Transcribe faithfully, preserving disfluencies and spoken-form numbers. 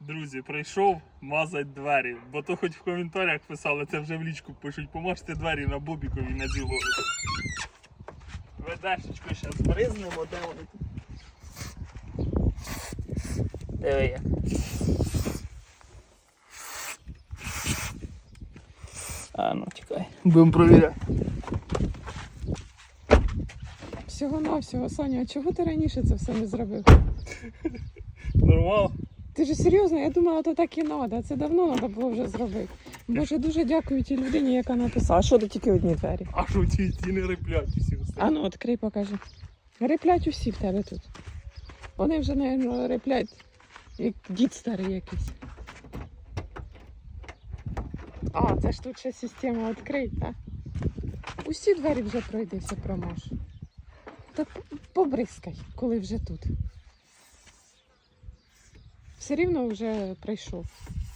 Друзі, прийшов мазать двері, бо то хоч в коментарях писали, це вже в лічку пишуть, помажте двері на Бобікові на білого. Ведешечку зараз бризнемо, де вони тут. Диви як. А ну чекай, будемо провіряти. Всього-навсього, Саня, а чого ти раніше це все не зробив? Нормально? Ти ж серйозно, я думала, то так і треба. Це давно треба було вже зробити. Боже, дуже дякую тій людині, яка написала. А що тут тільки одні двері? А що ті, ті не риплять усі А останні? ну, відкрий, покажи. Риплять усі в тебе тут. Вони вже, мабуть, риплять, як дід старий якийсь. А, це ж тут ще система відкрить, так? Усі двері вже пройдися, промаж. Та побризкай, коли вже тут. Все рівно вже прийшов.